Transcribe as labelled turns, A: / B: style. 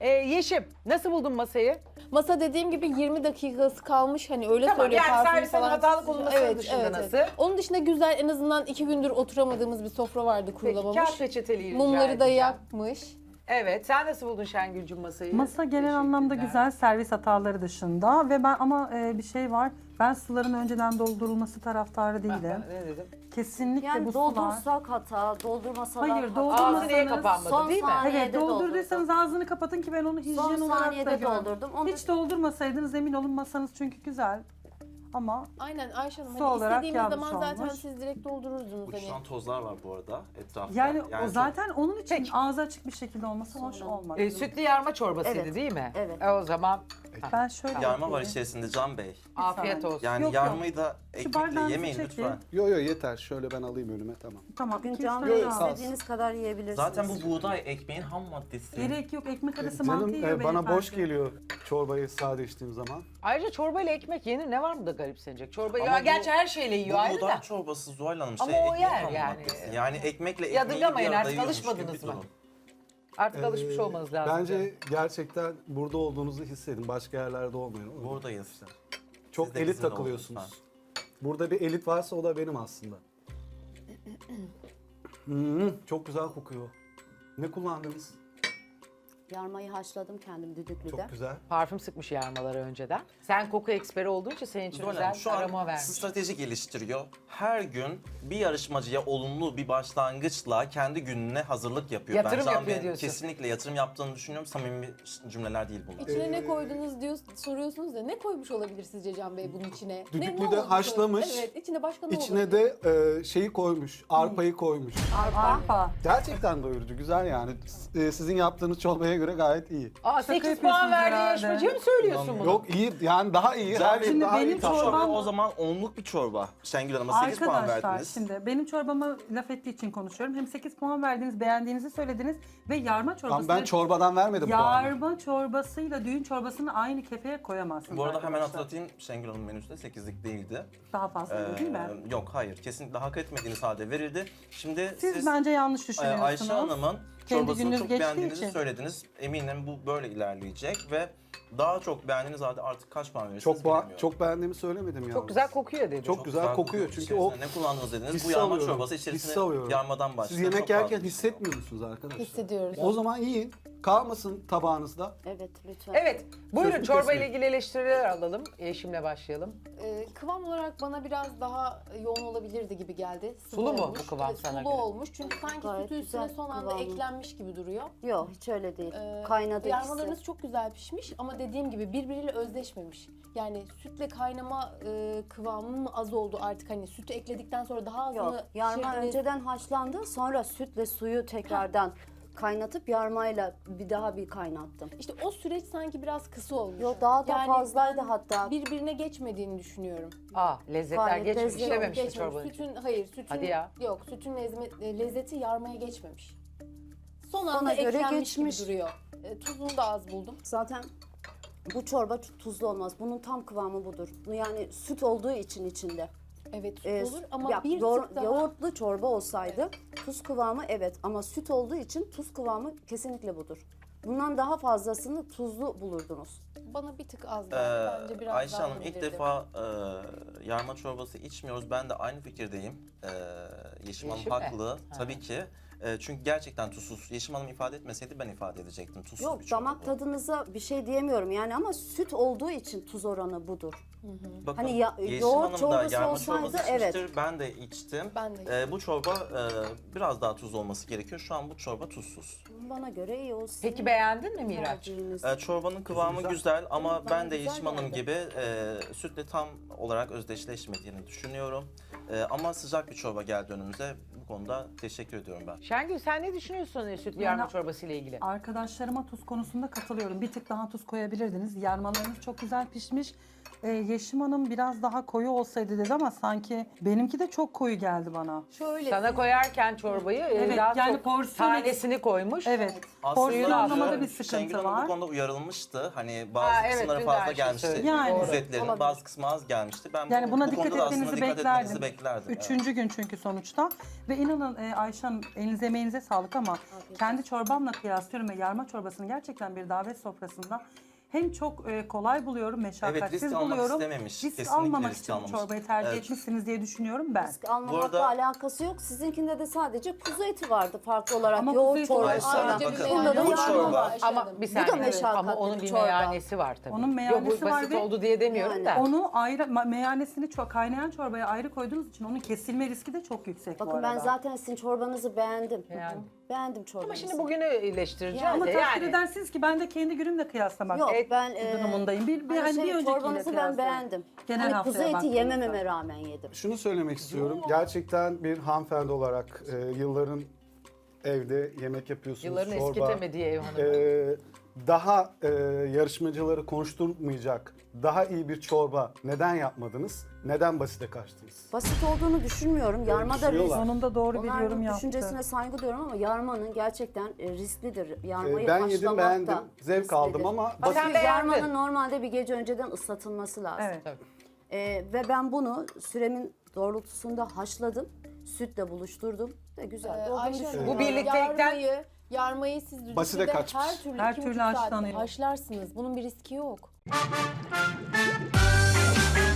A: Yeşim, nasıl buldun masayı?
B: Masa dediğim gibi 20 dakikası kalmış hani öyle
A: Tamam,
B: söylüyor.
A: yani
B: parfüm
A: servisin
B: falan.
A: hatalı konulması dışında nasıl?
B: Onun dışında güzel, en azından 2 gündür oturamadığımız bir sofra vardı,
A: Peki,
B: kurulamamış.
A: kağıt peçeteliği rica
B: Mumları da
A: edeceğim.
B: yakmış.
A: Evet, sen nasıl buldun Şengül'cüm masayı?
C: Masa genel anlamda
A: Teşekkürler.
C: güzel, servis hataları dışında ve ben ama bir şey var. Ben suların önceden doldurulması taraftarı değilim.
A: Ne dedim?
C: Kesinlikle
D: Yani
C: bu sular.
D: doldursak hata, doldurmasalar
C: Hayır,
D: hata.
C: doldurmasanız-
A: Ağzı niye kapanmadı
D: Son
A: değil mi?
D: saniye-
C: Evet,
D: saniyede
C: doldurduysanız ağzını kapatın ki ben onu hijyen
D: Son
C: olarak da
D: saniyede
C: görüyorum.
D: doldurdum. Onu
C: Hiç doldurmasaydınız emin olun masanız çünkü güzel. Ama
B: Aynen Ayşe Hanım,
C: Su
B: hani
C: olarak
B: istediğimiz
C: yanlış
B: zaman zaten
C: olmuş.
B: siz direkt doldururdunuz hani.
E: Uçuşan tozlar var bu arada etrafta.
C: yani o
E: çok-
C: zaten onun için
A: Peki.
C: ağzı açık bir şekilde olması hoş olmadı.
A: Sütlü yarma çorbasıydı
D: Evet,
A: değil mi?
D: evet.
A: O zaman
C: Ben şöyle
E: Yarma var
C: yapayım.
E: içerisinde Can Bey.
A: afiyet olsun.
E: Yani
C: Yok,
E: yarmayı da ekmekle
C: bardağınızı
E: yemeyin
C: çekin.
E: lütfen.
F: Yo yeter. Şöyle ben alayım önüme tamam.
C: Tamam.
D: Bugün
C: 2-3
D: Can
C: tane
D: Bey
F: Yok,
C: daha.
F: sağ ol.
D: istediğiniz kadar yiyebilirsiniz.
E: Zaten bu buğday ekmeğin ham maddesi.
C: Gerek yok, ekmek arası mantı
F: Canım
C: yiyor
F: bana boş
C: beyefendi.
F: geliyor çorbayı sade içtiğim zaman.
A: Ayrıca çorbayla ekmek yenir. Ne var mı da garipsenecek? Çorba
E: Ama
A: ya
E: bu-
A: gerçi her şeyle yiyor
E: Bu
A: ayrı
E: buğday
A: da.
E: çorbası Zuhal Hanım
A: Ama
E: şey
A: o
E: ekmeğin
A: yer
E: ham
A: yani.
E: maddesi. Yani ekmekle ekmeği
A: Yadırgamayın
E: bir arada
A: artık,
E: yiyormuş gibi
A: alışmadınız
E: bir
A: mı?
E: durum.
A: Artık alışmış olmanız lazım.
F: Bence gerçekten burada olduğunuzu hissedin. Başka yerlerde olmayın.
E: Buradayız.
F: Çok
E: Siz de
F: elit
E: bizimle olun
F: takılıyorsunuz. Burada bir elit varsa o da benim aslında. Çok güzel kokuyor. Ne kullandınız?
D: Yarmayı haşladım kendim düdüklüde.
F: Çok güzel.
A: Parfüm sıkmış yarmaları önceden. Sen koku eksperi olduğun için senin için
E: Zuhal
A: güzel
E: Hanım şu
A: aroma
E: an
A: vermiş.
E: strateji geliştiriyor. Her gün bir yarışmacıya olumlu bir başlangıçla kendi gününe hazırlık yapıyor.
A: Yatırım
E: Ben Can
A: yapıyor
E: Bey'in
A: diyorsun.
E: Kesinlikle yatırım yaptığını düşünüyorum. Samimi cümleler değil bunlar.
B: İçine ne koydunuz diyor, soruyorsunuz da ne koymuş olabilir sizce Can Bey bunun içine?
F: Düdüklüde
B: olmuş
F: haşlamış.
B: olabilir? Evet, içine başka ne
F: İçine
B: olabilir?
F: de şeyi koymuş, arpayı koymuş.
C: Arpa.
F: Gerçekten doyurucu, güzel yani. Sizin yaptığınız çorbaya göre gayet iyi.
A: Aa 8
C: yapıyorsunuz
A: puan verdiği
C: herhalde.
A: yarışmacıya mı söylüyorsun bunu?
F: Yok iyi, yani daha iyi. Her
C: Şimdi
F: daha
C: benim
F: iyi.
C: çorbam-
E: O zaman onluk bir çorba. Şengül Hanım'a 8 puan
C: Arkadaşlar
E: verdiniz.
C: şimdi benim çorbama laf ettiği için konuşuyorum. Hem 8 puan verdiniz, beğendiğinizi söylediniz ve yarma çorbası.
F: Ama ben çorbadan vermedim puanı.
C: Yarma çorbasıyla düğün çorbasını aynı kefeye koyamazsınız.
E: Bu arada hemen
C: arkadaşlar.
E: hatırlatayım, Şengül Hanım menüsü de 8'lik değildi.
C: Daha fazla değil mi?
E: Yok hayır, kesinlikle hak etmediğiniz halde verildi. Şimdi
C: Siz bence yanlış
E: Ayşe
C: düşünüyorsunuz.
E: Hanım'ın
C: Kendi
E: çorbasını
C: gününüz
E: çok
C: geçtiği
E: beğendiğinizi
C: için.
E: söylediniz. Eminim bu böyle ilerleyecek ve daha çok beğendiğiniz halde artık kaç puan verirsiniz bilmiyorum.
F: Çok beğendiğimi söylemedim ya.
A: Çok güzel kokuyor dedi.
F: Çok güzel kokuyor çünkü o
E: ne kullandınız dediniz?
F: hissi
E: Bu yarma
F: alıyorum,
E: çorbası
F: hissi
E: içerisinde
F: alıyorum.
E: yarmadan başlıyor.
F: Siz yemek
E: Çok fazla
F: yerken
E: bir şey
F: hissetmiyor musunuz arkadaşlar?
B: Hissediyoruz.
F: O zaman yiyin. Kalmasın tabağınızda.
D: Evet lütfen.
A: Evet, buyurun
F: Sözünü
A: çorba ile
F: kesmeyin.
A: ilgili eleştiriler alalım. Yeşim'le başlayalım.
B: Kıvam olarak bana biraz daha yoğun olabilirdi gibi geldi. Sıvı
A: Sulu mu
B: olmuş.
A: bu kıvam
B: Evet,
A: sana
B: sulu
A: göre?
B: olmuş çünkü sanki
D: Gayet
B: sütü üstüne
D: güzel
B: son anda
D: kıvamı.
B: eklenmiş gibi duruyor.
D: Yok hiç öyle değil. Kaynadı
B: Yarmalarınız
D: ikisi.
B: çok güzel pişmiş ama dediğim gibi birbiriyle özdeşmemiş. Yani sütle kaynama kıvamı mı az oldu artık, hani sütü ekledikten sonra daha az
D: Yok
B: mı
D: yarma
B: pişirdiniz?
D: önceden haşlandı sonra sütle suyu tekrardan kaynatıp yarmayla bir daha bir kaynattım.
B: İşte o süreç sanki biraz kısa olmuş.
D: Yok daha da
B: Yani
D: fazlaydı
B: ben
D: hatta.
B: birbirine geçmediğini düşünüyorum.
A: Lezzetler
D: Gayet
A: geçmiş,
D: lezzetli.
A: işlememiş mi
B: Geçmemiş.
A: çorbanın için?
B: Sütün
A: Hadi ya.
B: Yok, sütün lezzeti yarmaya geçmemiş. Son anda
D: Bana göre
B: eklenmiş gibi
D: geçmiş.
B: duruyor. Tuzunu da az buldum.
D: Zaten bu çorba tuzlu olmaz. Bunun tam kıvamı budur. Yani süt olduğu için içinde.
B: Evet, tuz
D: Ee,
B: olur ama
D: ya,
B: bir tık daha...
D: yoğurtlu çorba olsaydı tuz kıvamı evet ama süt olduğu için tuz kıvamı kesinlikle budur. Bundan daha fazlasını tuzlu bulurdunuz.
B: Bana bir tık az geldi. Bence biraz
E: Ayşe
B: daha
E: Hanım ilk
B: olabilirdi.
E: defa yarma çorbası içmiyoruz. Ben de aynı fikirdeyim. Yeşim Hanım
A: Yeşim mi?
E: haklı. Tabii ki. Çünkü gerçekten tuzsuz. Yeşim Hanım ifade etmeseydi ben ifade edecektim. Tuzsuz bir
D: Yok
E: çorba
D: damak
E: bu.
D: tadınıza bir şey diyemiyorum yani ama süt olduğu için tuz oranı budur.
E: Bakın,
D: Hani
E: Yeşim
D: yoğurt
E: Hanım da
D: çorbası
E: yarma
D: olsaydı,
E: çorbası
D: evet.
E: içmiştir. Ben de içtim.
B: Ben de içtim.
E: Bu çorba biraz daha tuzlu olması gerekiyor. Şu an bu çorba tuzsuz.
D: Bana göre iyi olsun.
A: Peki beğendin mi Miraç?
D: Tercihiniz.
E: Çorbanın kıvamı güzel ama
D: Evet,
E: ben
D: bana
E: de
D: güzel
E: Yeşim Hanım
D: geldi.
E: gibi sütle tam olarak özdeşleşmediğini düşünüyorum. Ama sıcak bir çorba geldi önümüze. Bu konuda teşekkür ediyorum ben.
A: Şengül sen ne düşünüyorsun sütlü yarma çorbası ile ilgili?
C: Arkadaşlarıma tuz konusunda katılıyorum. Bir tık daha tuz koyabilirdiniz. Yarmalarınız çok güzel pişmiş. Yeşim Hanım biraz daha koyu olsaydı dedi ama sanki benimki de çok koyu geldi bana.
B: Şöyle
A: Sana koyarken çorbayı
C: Evet,
A: daha
C: yani
A: çok
C: porsiyon
A: tanesini koymuş.
C: Evet.
E: Aslında
C: Porsiyonlamada bir
E: Şengül
C: sıkıntı
E: Hanım bu
C: var.
E: konuda uyarılmıştı. Hani bazı
A: evet,
E: kısımları
A: dün de aynı
E: fazla
A: şeyi
E: gelmişti.
A: söyledim.
C: Yani.
E: Ücretlerinin
D: Olabilir.
E: bazı kısmı az gelmişti. Ben
C: Yani buna
E: bu
C: dikkat
E: konuda da
C: etmenizi
E: aslında dikkat etmenizi
C: beklerdim.
E: beklerdim.
C: Üçüncü gün çünkü sonuçta. Ve inanın Ayşe Hanım elinize elinize emeğinize sağlık ama kendi çorbamla kıyaslıyorum ve yarma çorbasını gerçekten bir davet sofrasında hem çok kolay buluyorum, meşakkatsiz
E: risk almak
C: buluyorum.
E: istememiş.
C: Risk
E: Kesinlikle
C: almamak
E: risk
C: için bu
E: almamış.
C: çorbayı tercih
E: Evet.
C: etmişsiniz diye düşünüyorum ben.
D: Risk almamakla
E: Bu arada-
D: alakası yok. Sizinkinde de sadece kuzu eti vardı farklı olarak.
C: Ama kuzu
D: Yoğurt
C: eti
D: çorbası.
E: Ayşe Hanım,
B: Ayrıca
E: bakın,
B: bir
D: Bunda da
E: bu
B: meyhane
E: çorba-
B: var Ayşe
A: Ama
B: Hanım.
A: bir
D: da
A: saniye.
D: meşakkatli
A: Ama onun
D: bir
A: bir
D: çorba.
A: meyhanesi var tabii.
C: Onun meyhanesi
A: Yok, bu
C: var
A: basit
C: ve-
A: oldu diye demiyorum
D: Yani
A: da.
C: Onu ayrı, meyanesini çok kaynayan çorbaya ayrı koyduğunuz için onun kesilme riski de çok yüksek bu
D: Bakın
C: arada.
D: ben zaten sizin çorbanızı beğendim.
A: Yani.
D: Beğendim çorbanızı.
A: Ama şimdi bugünü eleştireceğiz
C: Ama
A: de
C: takdir
A: yani.
C: edersiniz ki ben de kendi günümle kıyaslamak
D: Yok ben
C: durumundayım.
D: hani
C: Bir önceki
D: çorbanızı ben beğendim.
C: Genel
D: Hani
C: haftaya
D: kuzu eti
C: baktığımızda.
D: yemememe rağmen yedim.
F: Şunu söylemek istiyorum. Gerçekten bir hanımefendi olarak yılların evde yemek yapıyorsunuz.
A: Yılların
F: çorba.
A: eskitemediği ev hanımı.
F: Daha yarışmacıları konuşturmayacak daha iyi bir çorba neden yapmadınız? Neden basite kaçtınız?
D: Basit olduğunu düşünmüyorum. Yarma da
F: düşünüyorlar.
C: Sonunda doğru bir yorum
D: Onların
C: yaptı.
D: düşüncesine saygı duyuyorum ama yarmanın gerçekten risklidir. Yarmayı
F: Ben yedim
D: haşlamak
F: beğendim.
D: da
F: Zevk
D: risklidir.
F: aldım ama
A: Bak sen
D: Çünkü
A: beğendin.
D: yarmanın normalde bir gece önceden ıslatılması lazım.
C: Evet.
D: Ve ben bunu süremin doğrultusunda haşladım. Sütle buluşturdum. Ve güzel. Olduğunu
B: Ayşe Hanım,
D: düşünüyorum.
A: Bu birliktelikten-
B: yarmayı siz
F: Basite
B: düdüklüde
F: kaçmış.
B: her türlü,
C: Her
B: 2,5
C: türlü
B: saatte
C: haşlanıyor.
B: haşlarsınız. Bunun bir riski yok.